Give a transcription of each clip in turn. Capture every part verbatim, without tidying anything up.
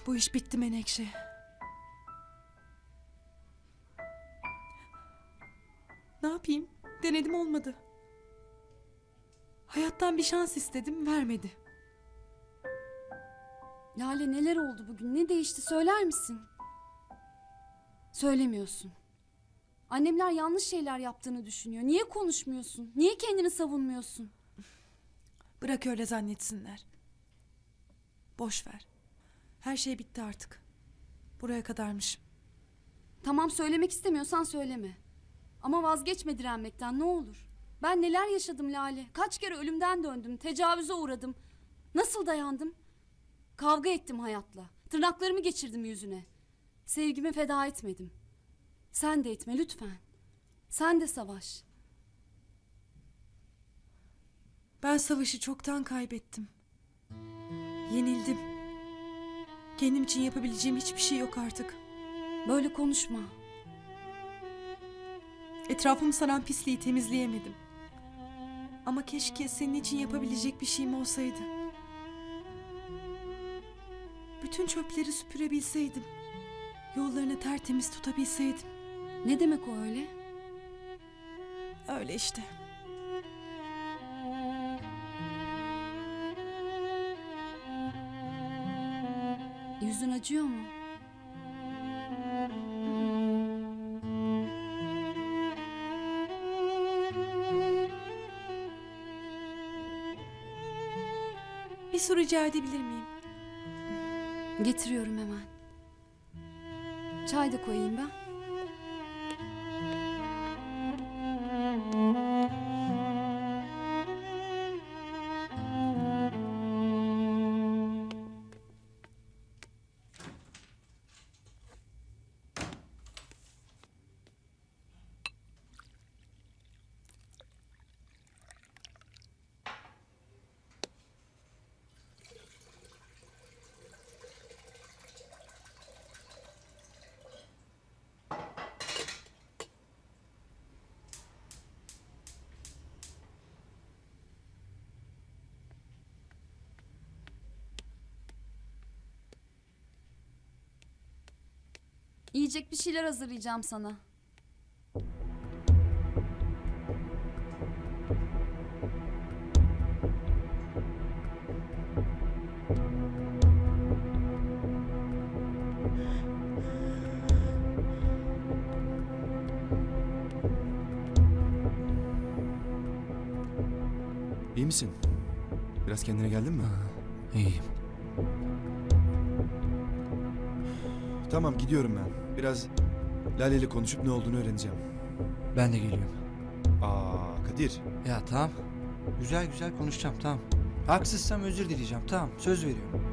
Bu iş bitti Menekşe. Ne yapayım? Denedim, olmadı. Hayattan bir şans istedim, vermedi. Lale, neler oldu bugün? Ne değişti, söyler misin? Söylemiyorsun. Annemler yanlış şeyler yaptığını düşünüyor. Niye konuşmuyorsun? Niye kendini savunmuyorsun? Bırak öyle zannetsinler. Boş ver. Her şey bitti artık. Buraya kadarmış. Tamam, söylemek istemiyorsan söyleme. Ama vazgeçme direnmekten, ne olur. Ben neler yaşadım Lale. Kaç kere ölümden döndüm. Tecavüze uğradım. Nasıl dayandım? Kavga ettim hayatla. Tırnaklarımı geçirdim yüzüne. Sevgimi feda etmedim. Sen de etme lütfen. Sen de savaş. Ben savaşı çoktan kaybettim. Yenildim. Kendim için yapabileceğim hiçbir şey yok artık. Böyle konuşma. Etrafımı saran pisliği temizleyemedim. Ama keşke senin için yapabilecek bir şeyim olsaydı. Bütün çöpleri süpürebilseydim. Yollarını tertemiz tutabilseydim. Ne demek o öyle? Öyle işte. Yüzün acıyor mu? Bir soru rica edebilir miyim? Getiriyorum hemen. Çay da koyayım ben. Yiyecek bir şeyler hazırlayacağım sana. İyi misin? Biraz kendine geldin mi? İyiyim. Tamam, gidiyorum ben. Biraz Lale ile konuşup ne olduğunu öğreneceğim. Ben de geliyorum. Aa Kadir. Ya tamam. Güzel güzel konuşacağım, tamam. Haksızsam özür dileyeceğim, tamam. Söz veriyorum.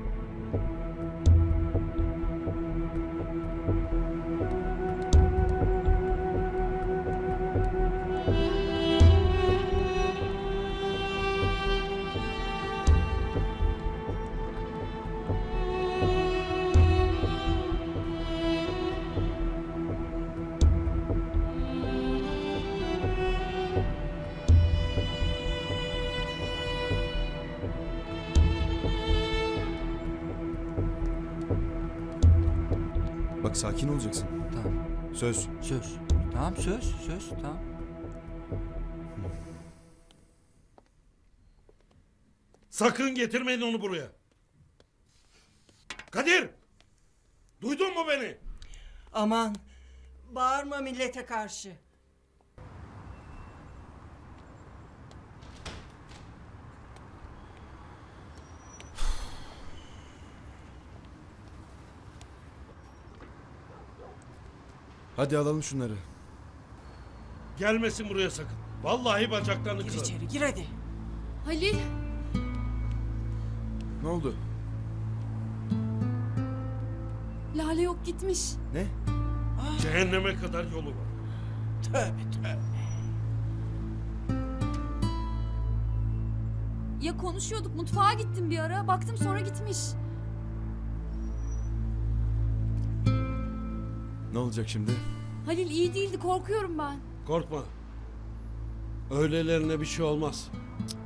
Bak, sakin olacaksın. Tamam. Söz. Söz. Tamam, söz, söz, tamam. Sakın getirmeyin onu buraya. Kadir! Duydun mu beni? Aman, bağırma millete karşı. Hadi alalım şunları. Gelmesin buraya sakın. Vallahi bacaklarını Gir kırarım. içeri, gir hadi. Halil, Ne oldu? Lale yok, gitmiş. Ne? Cehenneme kadar yolu var. Tövbe tövbe. Ya konuşuyorduk, mutfağa gittim bir ara. Baktım sonra gitmiş. Ne olacak şimdi? Halil iyi değildi, korkuyorum ben. Korkma. Öylelerine bir şey olmaz.